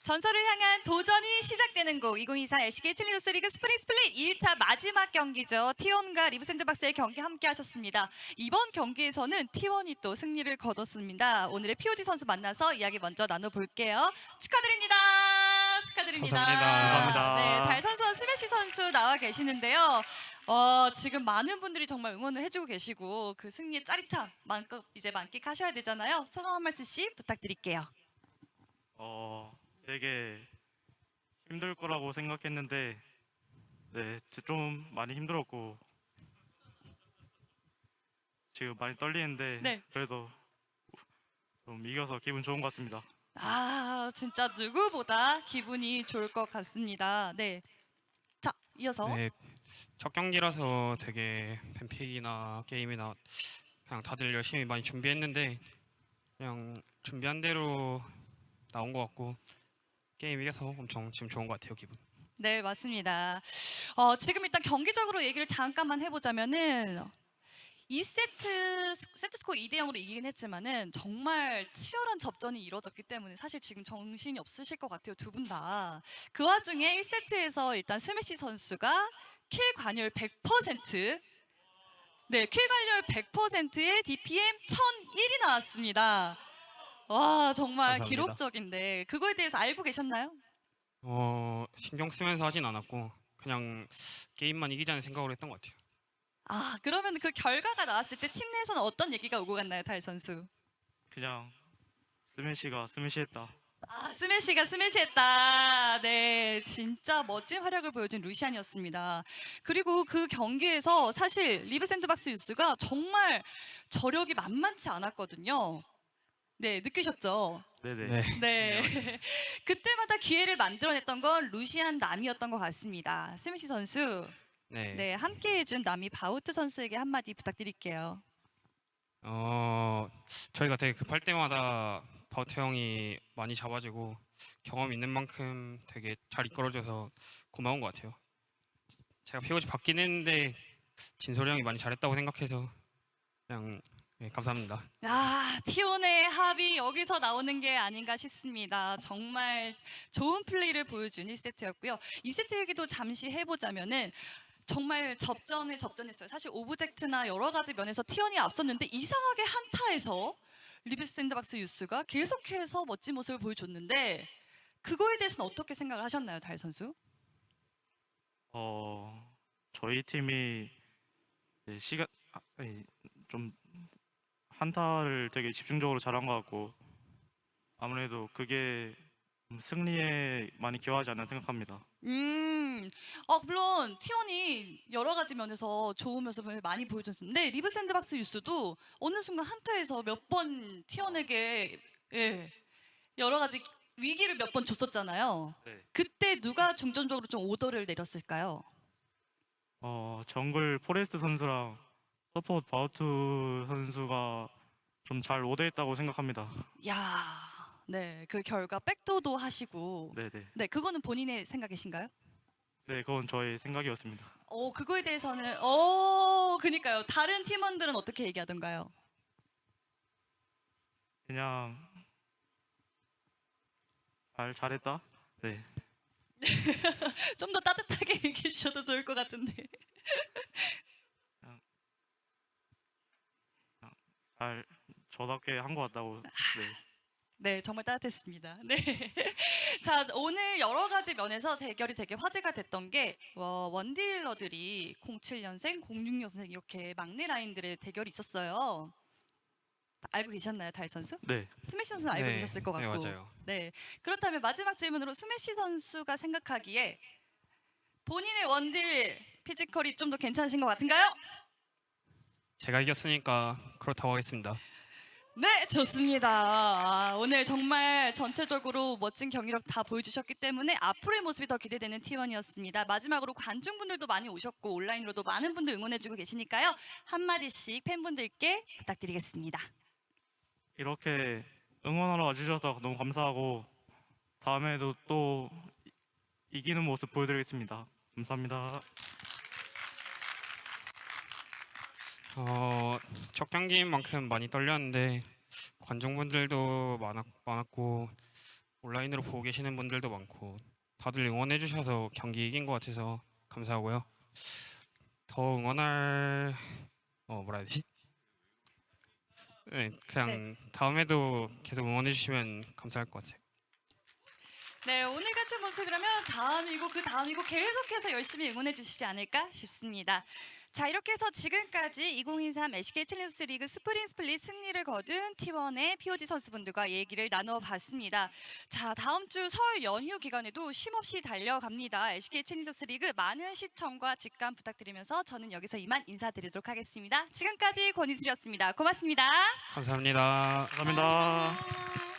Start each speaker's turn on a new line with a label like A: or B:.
A: 전설을 향한 도전이 시작되는 곡 2024 LCK 챌린저스 리그 스프링 스플릿 1차 마지막 경기죠. T1과 리브 샌드박스의 경기 함께 하셨습니다. 이번 경기에서는 T1이 또 승리를 거뒀습니다. 오늘의 POG 선수 만나서 이야기 먼저 나눠볼게요. 축하드립니다. 축하드립니다.
B: 감사합니다.
A: 네, 달 선수와 스매시 선수 나와 계시는데요. 지금 많은 분들이 정말 응원을 해주고 계시고 그 승리의 짜릿함 마음껏 이제 만끽하셔야 되잖아요. 소감 한 말씀씩 부탁드릴게요.
B: 되게 힘들 거라고 생각했는데 좀 많이 힘들었고 지금 많이 떨리는데
A: 네.
B: 그래도 좀 이겨서 기분 좋은 것 같습니다.
A: 진짜 누구보다 기분이 좋을 것 같습니다. 네. 자, 이어서.
C: 네, 첫 경기라서 되게 팬픽이나 게임이나 그냥 다들 열심히 많이 준비했는데 그냥 준비한 대로 나온 것 같고 게임 이겨서 엄청 지금 좋은 것 같아요, 기분.
A: 네, 맞습니다. 지금 일단 경기적으로 얘기를 잠깐만 해보자면은 2세트 세트 스코어 2대 0으로 이기긴 했지만은 정말 치열한 접전이 이루어졌기 때문에 사실 지금 정신이 없으실 것 같아요, 두 분 다. 그 와중에 1세트에서 일단 스매시 선수가 킬 관여율 100%, 네, 킬 관여율 100%의 DPM 1001이 나왔습니다. 와, 정말
C: 감사합니다.
A: 기록적인데 그거에 대해서 알고 계셨나요?
C: 신경 쓰면서 하진 않았고 그냥 게임만 이기자는 생각으로 했던 것 같아요.
A: 그러면 그 결과가 나왔을 때 팀 내에서는 어떤 얘기가 오고 갔나요, 달 선수?
B: 그냥 스매시가 스매시했다.
A: 스매시가 스매시했다. 네, 진짜 멋진 활약을 보여준 루시안이었습니다. 그리고 그 경기에서 사실 리브 샌드박스 유스가 정말 저력이 만만치 않았거든요. 네, 느끼셨죠?
B: 네네.
C: 네,
A: 네. 그때마다 기회를 만들어냈던 건 루시안 남이었던 것 같습니다. 스매시 선수,
C: 네.
A: 네, 함께 해준 남이 바우트 선수에게 한마디 부탁드릴게요.
C: 저희가 되게 급할 때마다 바우트 형이 많이 잡아주고 경험 있는 만큼 되게 잘 이끌어줘서 고마운 것 같아요. 제가 POG 받긴 했는데 진솔이 형이 많이 잘했다고 생각해서 그냥 감사합니다.
A: T1의 합이 여기서 나오는 게 아닌가 싶습니다. 정말 좋은 플레이를 보여준 1세트였고요. 2세트 얘기도 잠시 해보자면은 정말 접전했어요. 사실 오브젝트나 여러 가지 면에서 T1이 앞섰는데 이상하게 한타에서 리브 샌드박스 유스가 계속해서 멋진 모습을 보여줬는데 그거에 대해서는 어떻게 생각을 하셨나요, 달 선수?
B: 저희 팀이 시간 좀 한타를 되게 집중적으로 잘한 것 같고 아무래도 그게 승리에 많이 기여하지 않나 생각합니다.
A: 물론 T1이 여러 가지 면에서 좋은 모습을 많이 보여줬는데 리브 샌드박스 유스도 어느 순간 한타에서 몇 번 T1에게 여러 가지 위기를 몇 번 줬었잖아요.
B: 네.
A: 그때 누가 중점적으로 좀 오더를 내렸을까요?
B: 정글 포레스트 선수랑 서포트 바우트 선수가 좀 잘 오대했다고 생각합니다.
A: 야, 네, 그 결과 백도도 하시고,
B: 네네.
A: 네, 그거는 본인의 생각이신가요?
B: 네, 그건 저의 생각이었습니다.
A: 그거에 대해서는, 그니까요. 다른 팀원들은 어떻게 얘기하던가요?
B: 그냥 잘했다. 네.
A: 좀 더 따뜻하게 얘기해 주셔도 좋을 것 같은데.
B: 저답게 한 것 같다고. 네.
A: 네, 정말 따뜻했습니다. 네. 자, 오늘 여러 가지 면에서 대결이 되게 화제가 됐던 게 원딜러들이 07년생, 06년생 이렇게 막내 라인들의 대결이 있었어요. 알고 계셨나요, 달 선수?
B: 네.
A: 스매시 선수는 알고
C: 네,
A: 계셨을 것 같고.
C: 네, 맞아요.
A: 네. 그렇다면 마지막 질문으로 스매시 선수가 생각하기에 본인의 원딜 피지컬이 좀 더 괜찮으신 것 같은가요?
C: 제가 이겼으니까 그렇다고 하겠습니다.
A: 네, 좋습니다. 오늘 정말 전체적으로 멋진 경기력 다 보여주셨기 때문에 앞으로의 모습이 더 기대되는 T1이었습니다. 마지막으로 관중분들도 많이 오셨고 온라인으로도 많은 분들 응원해주고 계시니까요. 한마디씩 팬분들께 부탁드리겠습니다.
B: 이렇게 응원하러 와주셔서 너무 감사하고 다음에도 또 이기는 모습 보여드리겠습니다. 감사합니다.
C: 첫 경기인 만큼 많이 떨렸는데 관중분들도 많았고 온라인으로 보고 계시는 분들도 많고 다들 응원해 주셔서 경기 이긴 것 같아서 감사하고요. 더 응원할 뭐라 해야 되지? 네, 그냥 다음에도 계속 응원해 주시면 감사할 것 같아요.
A: 네, 오늘 같은 모습이라면 다음이고 그 다음이고 계속해서 열심히 응원해 주시지 않을까 싶습니다. 자, 이렇게 해서 지금까지 2023 LCK 챌린저스 리그 스프링 스플릿 승리를 거둔 T1의 POG 선수분들과 얘기를 나눠봤습니다. 자, 다음 주 설 연휴 기간에도 쉼없이 달려갑니다. LCK 챌린저스 리그 많은 시청과 직관 부탁드리면서 저는 여기서 이만 인사드리도록 하겠습니다. 지금까지 권희술이었습니다. 고맙습니다.
C: 감사합니다.
B: 감사합니다.
A: 감사합니다.